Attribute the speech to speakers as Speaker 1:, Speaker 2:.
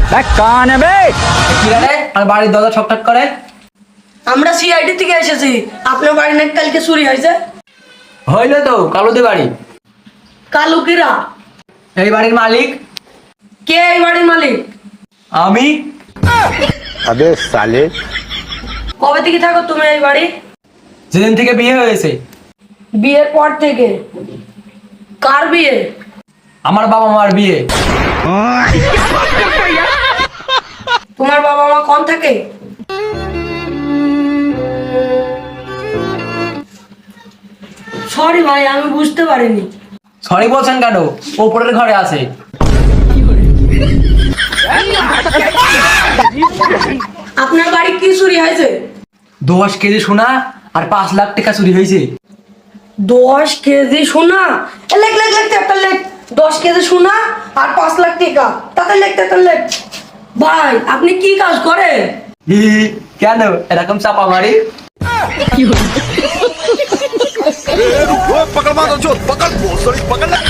Speaker 1: कौन है बे?
Speaker 2: কি রে আর বাড়ির দরজা ঠকঠক করে?
Speaker 3: আমরা সিআইডি থেকে এসেছি। আপনার বাড়ি নাকি কালকে চুরি হয়েছে?
Speaker 2: হইলো তো কালুদের বাড়ি।
Speaker 3: কালুকিরা?
Speaker 2: এই বাড়ির মালিক
Speaker 3: কে এই বাড়ির মালিক?
Speaker 2: আমি।
Speaker 1: अबे साले
Speaker 3: কবে থেকে থাকো তুমি এই বাড়ি?
Speaker 2: যেদিন থেকে বিয়ে হয়েছে।
Speaker 3: বিয়ের পর থেকে? কার বিয়ে?
Speaker 2: আমার বাবা মার বিয়ে।
Speaker 3: তোমার বাবা মা কোন থাকে? সরি ভাই, আমি বুঝতে পারিনি।
Speaker 2: সরি বলছেন কেন? ওপরের ঘরে আছে।
Speaker 3: আপনার বাড়ি কি চুরি হয়েছে?
Speaker 2: 10 কেজি সোনা আর 5 লাখ টাকা চুরি হয়েছে।
Speaker 3: 10 কেজি সোনা? লেখ লেখ লেখ একটা লেখ। 10 কেজি সোনা আর 5 লাখ টাকা। তাতে লেখ তাতে লেখ। ভাই আপনি কি কাজ করেন?
Speaker 2: কেন এরকম চাপা মারি?
Speaker 4: पकड़ मारो चोर पकड़, पकड़